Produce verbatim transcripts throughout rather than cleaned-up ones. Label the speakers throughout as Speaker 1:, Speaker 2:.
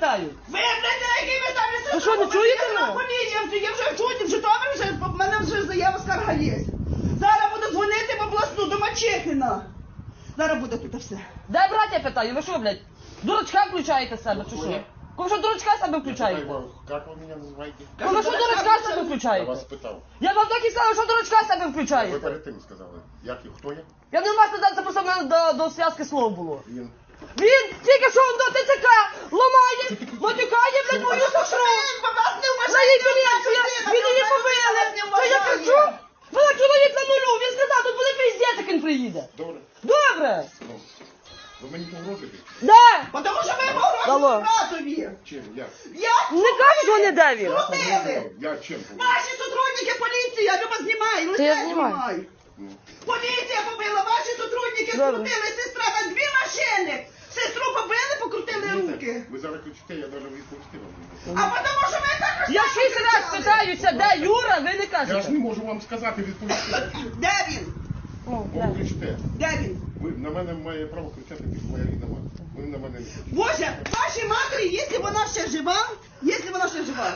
Speaker 1: питаю.
Speaker 2: Ви, блядь, на якій ви ставлю сестру?
Speaker 1: Ви що, не чуєте мене?
Speaker 2: Поліція, я вже чую, в Житомирі вже, в мене вже заява скарга є. Зараз буду дзвонити в обласну, до Мачехіна. Зараз буде тут все.
Speaker 1: Де браття питаю, ви що, блядь? Дурачка включаєте себе, чи що? Кому що дурачка себе включаєте?
Speaker 3: Как вы меня называете?
Speaker 1: Кому що дурачка себе
Speaker 3: Я
Speaker 1: включаєте?
Speaker 3: вас питав.
Speaker 1: Я вам так і сказав, що дурачка себе
Speaker 3: Ви
Speaker 1: включаєте.
Speaker 3: перед тим сказали. Як і хто я?
Speaker 1: Я не вас не це просто в мене до, до зв'язки слов було.
Speaker 3: Він.
Speaker 1: Він тільки що до ТЦК ламає, матюкає, блядь, мою сестру. На її поліцію, він її побили. Що я кричу? Вона чоловік на нулю, він сказав, тут буде пиздець, як він приїде.
Speaker 3: Добре.
Speaker 1: Добре.
Speaker 3: Ну, ви мені погрожуєте?
Speaker 1: Да.
Speaker 2: Тому що ви
Speaker 1: Алло.
Speaker 2: погрожуєте братові.
Speaker 3: Чим? Як?
Speaker 2: Як?
Speaker 1: Не кажуть вони, де він.
Speaker 2: Крутили.
Speaker 3: Я чим погрожую?
Speaker 2: Ваші сотрудники поліції, Люба, знімай, лице
Speaker 1: я знімаю.
Speaker 2: знімай.
Speaker 3: Ну,
Speaker 2: Поліція побила, ваші сотрудники
Speaker 1: Добре.
Speaker 2: скрутили сестра на дві машини. Сестру побили, покрутили руки.
Speaker 3: ви зараз кричите, я навіть відповісти вам не
Speaker 2: А
Speaker 3: можу.
Speaker 2: тому що ви також
Speaker 1: Я шість раз питаюся, де Юра, ви не
Speaker 3: Я ж
Speaker 1: кажете.
Speaker 3: не можу вам сказати, відповісти.
Speaker 2: Де він?
Speaker 1: Ну,
Speaker 3: Бо
Speaker 1: де?
Speaker 3: ви кричите.
Speaker 2: Де він?
Speaker 3: Ви на мене має право кричати під моя рідна мати. Ви на мене не кричите.
Speaker 2: Боже, вашій матері, якщо вона ще жива, якщо вона ще жива,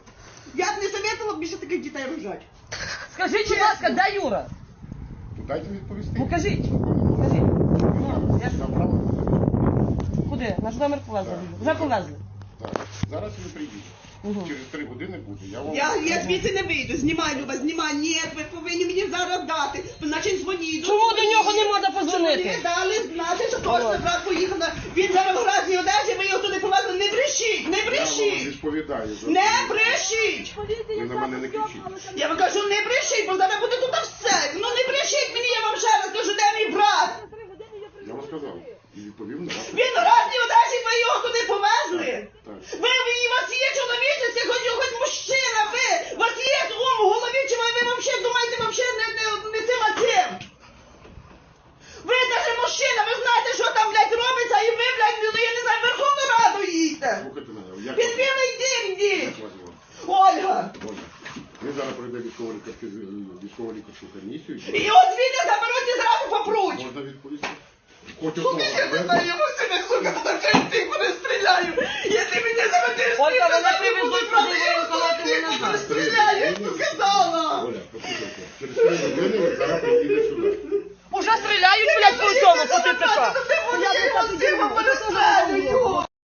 Speaker 2: я б не советувала б більше таких дітей рожати.
Speaker 1: Скажіть, будь ласка, де Юра?
Speaker 3: То дайте відповісти.
Speaker 1: Ну кажіть.
Speaker 3: Ви не
Speaker 1: Кажіть.
Speaker 3: можете.
Speaker 1: Ну, я ж-
Speaker 3: Я право.
Speaker 1: Куди? Наш номер повезли.
Speaker 3: Так.
Speaker 1: Вже повезли.
Speaker 3: Так. Зараз ви приїдете.
Speaker 1: Мгм.
Speaker 3: Через три години буде. Я вам...
Speaker 2: Я, я звідси не вийду, знімай, Люба, знімай. Ні, ви повинні мені зараз дати. Значить, дзвоніть.
Speaker 1: Чому до нього не можна позвонити?
Speaker 2: Мені дали знати, що точно брат поїхав. на- Він зараз в гразній одежі, ви його туди повезли. Не брешіть, не
Speaker 3: Я вам
Speaker 2: брешіть.
Speaker 3: відповідаю. за
Speaker 2: Не
Speaker 3: це.
Speaker 2: брешіть.
Speaker 3: Ви на мене не кричіть.
Speaker 2: Я вам кажу, не брешіть, бо зараз буде тут все. Ну не брешіть мені, я вам ще раз кажу, де мій брат?
Speaker 3: Я вам сказав. І відповів на ваше.
Speaker 2: Він в гразній одежі, ви його туди повезли.
Speaker 3: Так.
Speaker 2: Ви, ви, у вас є чоловічець, хоч, хоч мужчина, ви, у вас є ум в голові, чи ви, ви взагалі думаєте, взагалі не, не, не цим, а цим? Ви навіть мужчина, ви знаєте, що там, блядь, робиться, і ви, блядь, ну, я не знаю, Верховну Раду їдьте.
Speaker 3: Слухайте мене. Як
Speaker 2: Під
Speaker 3: вас-
Speaker 2: білий дім
Speaker 3: як
Speaker 2: йдіть.
Speaker 3: вас звати?
Speaker 2: Ольга.
Speaker 3: Оля. Ми зараз пройдемо військово-лікарську військово-лікарську комісію.
Speaker 2: І от звідти заберуть і зразу попруть.
Speaker 3: Можна відповісти? Хоч
Speaker 2: Сука,
Speaker 3: одного.
Speaker 2: я не знаю, я мусину, сука, тут вже всіх перестріляю. Якщо мене заведеш,
Speaker 1: Ольга,
Speaker 2: ти
Speaker 1: мене
Speaker 2: мене
Speaker 1: привезуть
Speaker 2: будуть
Speaker 1: туди,
Speaker 2: брати, я
Speaker 1: воєнкомати
Speaker 2: всіх
Speaker 1: мене
Speaker 2: перестріляю, я ж сказала.
Speaker 3: Оля, послухайте. Через три години ви зараз приїдете сюди.